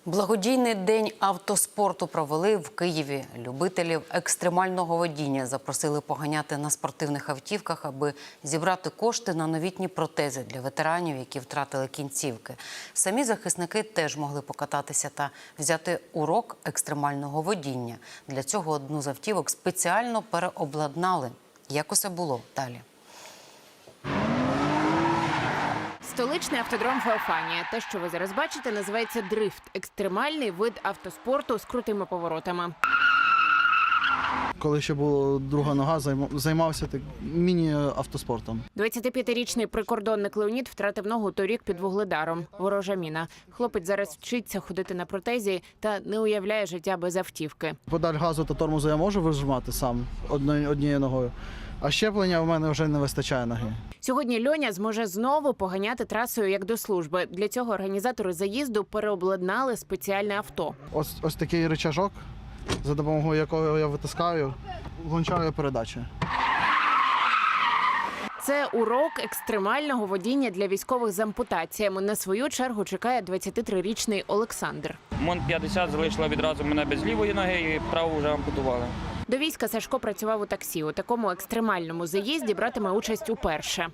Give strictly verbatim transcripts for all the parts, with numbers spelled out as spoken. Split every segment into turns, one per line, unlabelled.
Благодійний день автоспорту провели в Києві. Любителів екстремального водіння запросили поганяти на спортивних автівках, аби зібрати кошти на новітні протези для ветеранів, які втратили кінцівки. Самі захисники теж могли покататися та взяти урок екстремального водіння. Для цього одну з автівок спеціально переобладнали. Як усе було далі?
Столичний автодром Феофанія. Те, що ви зараз бачите, називається дрифт – екстремальний вид автоспорту з крутими поворотами.
Коли ще була друга нога, займався міні-автоспортом.
двадцятип'ятирічний прикордонник Леонід втратив ногу торік під Вугледаром. Ворожа міна. Хлопець зараз вчиться ходити на протезі та не уявляє життя без автівки.
Педаль газу та тормозу я можу вижимати сам однією ногою, а щеплення в мене вже не вистачає ноги.
Сьогодні Льоня зможе знову поганяти трасою як до служби. Для цього організатори заїзду переобладнали спеціальне авто.
Ось, ось такий рычажок, за допомогою якого я витискаю, влучаю передачі.
Це урок екстремального водіння для військових з ампутаціями. На свою чергу чекає двадцятитрирічний Олександр.
Мон п'ятдесят залишила відразу мене без лівої ноги і праву вже ампутували.
До війська Сашко працював у таксі. У такому екстремальному заїзді братиме участь уперше.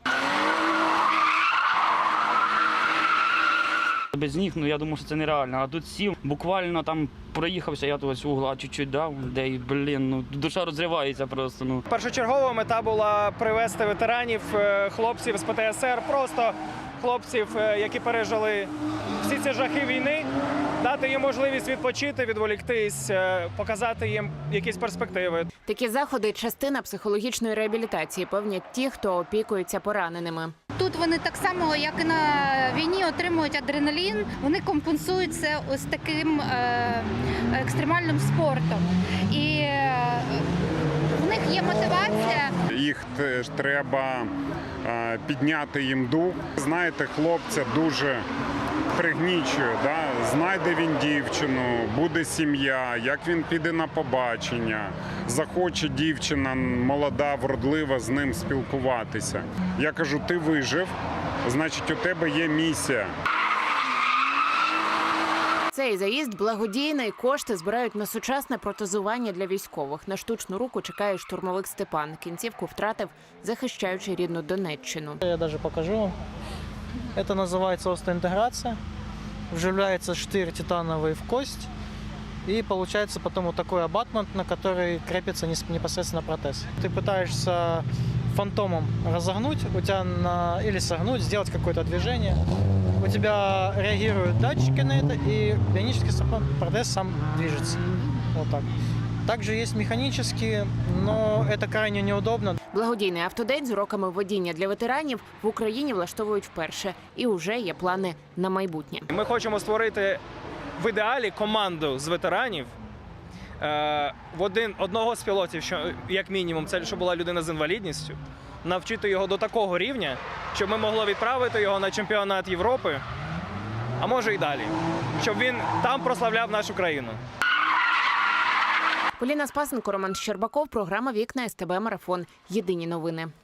Без ніг, ну я думав, що це нереально. А тут сів, буквально там проїхався, я тут угла чуть-чуть дав, де й, блін, ну душа розривається просто. Ну.
Першочергова мета була привезти ветеранів, хлопців з Пе Те Ес Ер, просто хлопців, які пережили всі ці жахи війни, дати їм можливість відпочити, відволіктись, показати їм якісь перспективи.
Такі заходи – частина психологічної реабілітації, певнять ті, хто опікується пораненими.
Тут вони так само, як і на війні, отримують адреналін. Вони компенсують це ось таким е, екстремальним спортом. І е, в них є мотивація.
Їх теж треба е, підняти їм дух. Знаєте, хлопця дуже пригнічує. Да? Знайде він дівчину, буде сім'я, як він піде на побачення, захоче дівчина молода, вродлива з ним спілкуватися. Я кажу, ти вижив, значить у тебе є місія.
Цей заїзд благодійний, кошти збирають на сучасне протезування для військових. На штучну руку чекає штурмовик Степан. Кінцівку втратив, захищаючи рідну Донеччину.
Я навіть покажу. Это называется остеоинтеграция. Вживляется штырь титановый в кость. И получается потом вот такой абатмент, на который крепится непосредственно протез. Ты пытаешься фантомом разогнуть, у тебя на... или согнуть, сделать какое-то движение. У тебя реагируют датчики на это, и бионический протез сам движется. Вот так. Также есть механические, но это крайне неудобно.
Благодійний автодень з уроками водіння для ветеранів в Україні влаштовують вперше. І вже є плани на майбутнє.
Ми хочемо створити в ідеалі команду з ветеранів. Е, в один, одного з пілотів, що, як мінімум, це щоб була людина з інвалідністю. Навчити його до такого рівня, щоб ми могли відправити його на чемпіонат Європи, а може і далі. Щоб він там прославляв нашу країну.
Поліна Спасенко, Роман Щербаков, програма «Вікна ес те бе Марафон». Єдині новини.